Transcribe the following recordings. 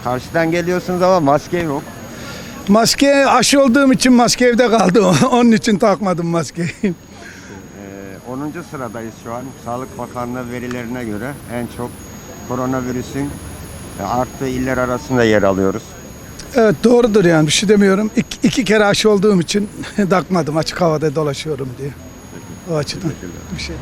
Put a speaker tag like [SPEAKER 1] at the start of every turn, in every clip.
[SPEAKER 1] Karşıdan geliyorsunuz ama maske yok.
[SPEAKER 2] Maske aşı olduğum için maske evde kaldı. Onun için takmadım maskeyi.
[SPEAKER 1] 10. sıradayız şu an. Sağlık Bakanlığı verilerine göre en çok koronavirüsün arttığı iller arasında yer alıyoruz.
[SPEAKER 2] Evet doğrudur yani bir şey demiyorum. İki kere aşı olduğum için takmadım. Açık havada dolaşıyorum diye. O açıdan bir şey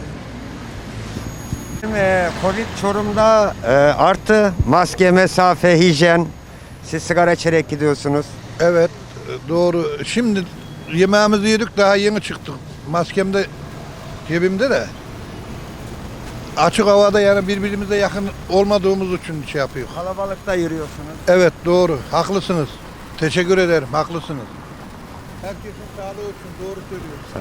[SPEAKER 2] değil.
[SPEAKER 1] Covid Çorum'da arttı. Maske, mesafe, hijyen. Siz sigara içerek gidiyorsunuz.
[SPEAKER 3] Evet, doğru. Şimdi yemeğimizi yedik, daha yeni çıktık. Maskem de cebimde de. Açık havada yani birbirimize yakın olmadığımız için şey yapıyor.
[SPEAKER 1] Kalabalıkta yürüyorsunuz.
[SPEAKER 3] Evet, doğru. Haklısınız. Teşekkür ederim. Haklısınız. Herkesin sağlığı için doğru söylüyorsun.
[SPEAKER 1] Sağ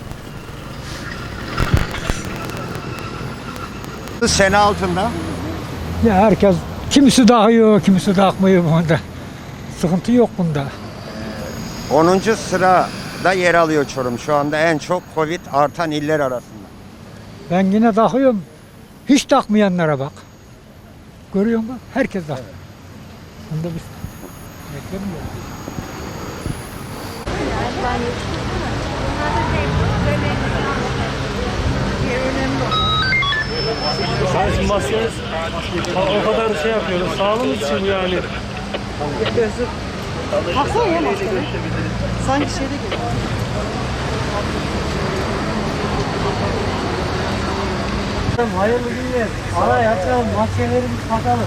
[SPEAKER 1] olun. Sene altında.
[SPEAKER 4] Ya herkes kimisi takıyor, kimisi takmıyor bunda. Sıkıntı yok bunda.
[SPEAKER 1] 10. sırada yer alıyor Çorum. Şu anda en çok Covid artan iller arasında.
[SPEAKER 4] Ben yine takıyorum. Hiç takmayanlara bak. Görüyor musun? Herkes takıyor. Bunda bir beklemiyor.
[SPEAKER 5] Sadece maske o kadar şey yapıyoruz. Sağlığımız için yani.
[SPEAKER 6] Baksana ya maskene. Sanki şeyde gibi.
[SPEAKER 5] Hayırlı günler. Araya açalım. Maskelerimizi takalım.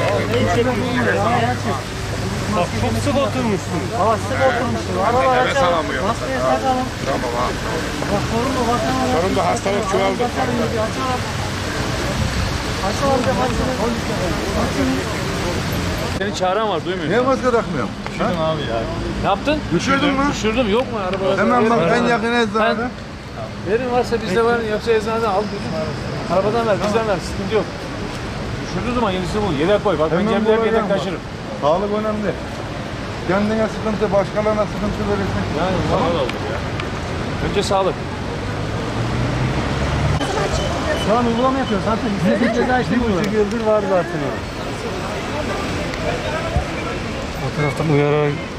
[SPEAKER 5] Bak çok sık oturmuşsun.
[SPEAKER 6] Hava sık oturmuşsun. Aralar açalım. Maskeyi takalım.
[SPEAKER 7] Tamam abi.
[SPEAKER 6] Bak sorunlu vatandaş.
[SPEAKER 7] Sorunlu hastalık çoğaldı.
[SPEAKER 6] Açalım. Açalım. Açalım.
[SPEAKER 5] Senin çağıran var duymuyor.
[SPEAKER 3] Niye maske takmıyorum?
[SPEAKER 5] Düşürdüm abi ya. Ne yaptın?
[SPEAKER 3] Düşürdün mü?
[SPEAKER 5] Düşürdüm. Yok mu arabada?
[SPEAKER 3] Hemen bak en yakın eczanede.
[SPEAKER 5] Verin varsa bizde var. Yoksa eczaneden al gözüm. Arabadan ver, bizden ver. Sıkıntı yok. Düşürdüğü zaman yenisini bul. Yedek koy. Bak ben
[SPEAKER 3] Hemen
[SPEAKER 5] cebimde
[SPEAKER 3] bulacağım
[SPEAKER 5] yedek
[SPEAKER 3] bak.
[SPEAKER 5] taşırım.
[SPEAKER 3] Sağlık önemli. Kendine sıkıntı, başkalarına sıkıntı verirsin.
[SPEAKER 5] Yani tamam olur ya. Önce sağlık. Şu an uygulama yapıyoruz. Zaten bir ceza işlemiyorlar. 1,5 yıldır var zaten o. O taraftan uyararak